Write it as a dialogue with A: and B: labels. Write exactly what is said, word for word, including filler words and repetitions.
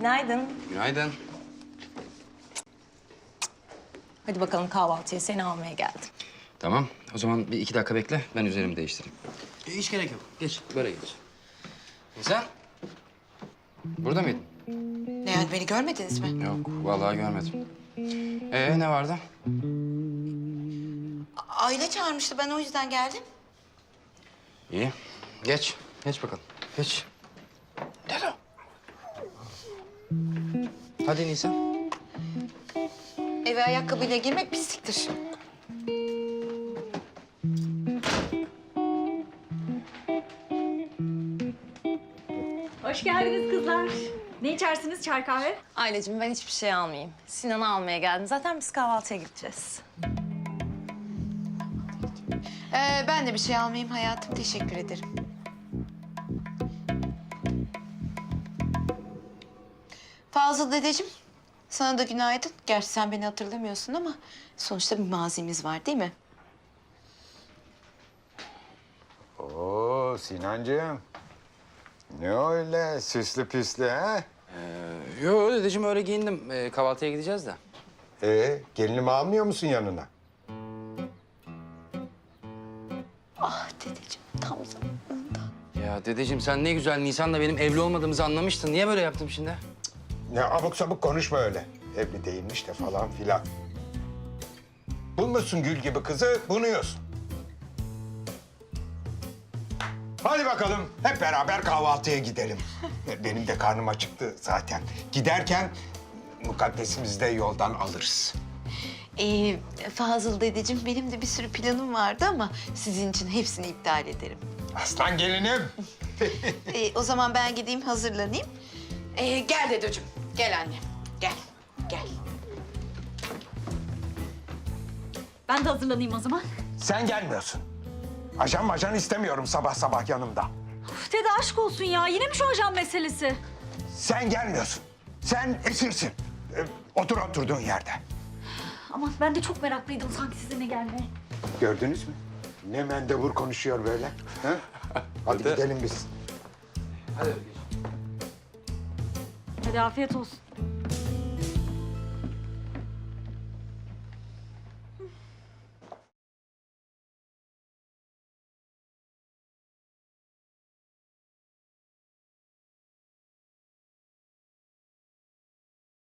A: Günaydın.
B: Günaydın.
A: Hadi bakalım kahvaltıya seni almaya geldim.
B: Tamam. O zaman bir iki dakika bekle. Ben üzerimi değiştireyim. E, hiç gerek yok. Geç. Böyle geç. Sen? Burada mıydın?
C: Ne yani beni görmediniz mi?
B: Yok. Vallahi görmedim. Ee ne vardı?
C: Aile çağırmıştı ben o yüzden geldim.
B: İyi. Geç. Geç bakalım. Geç. Gel o. Hadi Nisan.
C: Eve ayakkabıyla girmek pisliktir.
D: Hoş geldiniz kızlar. Ne içersiniz, çay kahve?
A: Ailecim ben hiçbir şey almayayım. Sinan'ı almaya geldim. Zaten biz kahvaltıya gideceğiz.
C: Ee, ben de bir şey almayayım hayatım. Teşekkür ederim. Fazıl dedeciğim, sana da günaydın. Gerçi sen beni hatırlamıyorsun ama sonuçta bir mazimiz var değil mi?
E: Oo Sinancığım. Ne öyle süslü püslü ha?
B: Ee, yo dedeciğim öyle giyindim. Ee, kahvaltıya gideceğiz de.
E: Ee, gelinimi almıyor musun yanına?
C: Ah dedeciğim, tam zamanında.
B: Ya dedeciğim sen ne güzel Nisan'la benim evli olmadığımızı anlamıştın. Niye böyle yaptım şimdi?
E: Ne abuk sabuk konuşma öyle. Evli değilmiş de falan filan. Bulmuşsun gül gibi kızı, bunuyorsun. Hadi bakalım hep beraber kahvaltıya gidelim. Benim de karnım acıktı zaten. Giderken mukaddesimizi de yoldan alırız.
C: Ee, Fazıl dedeciğim, benim de bir sürü planım vardı ama sizin için hepsini iptal ederim.
E: Aslan gelinim.
C: Ee, o zaman ben gideyim hazırlanayım. Ee, gel dedeciğim, gel anne. Gel, gel.
D: Ben de hazırlanayım o zaman.
E: Sen gelmiyorsun. Ajan majan istemiyorum sabah sabah yanımda.
D: Uf, dede aşk olsun ya. Yine mi şu ajan meselesi?
E: Sen gelmiyorsun. Sen esirsin. Ee, otur oturduğun yerde.
D: Ama ben de çok meraklıydım sanki sizinle gelmeye.
E: Gördünüz mü? Ne mendebur konuşuyor böyle. Ha? Hadi
B: Dede.
E: gidelim biz.
B: Hadi.
D: Hadi afiyet olsun.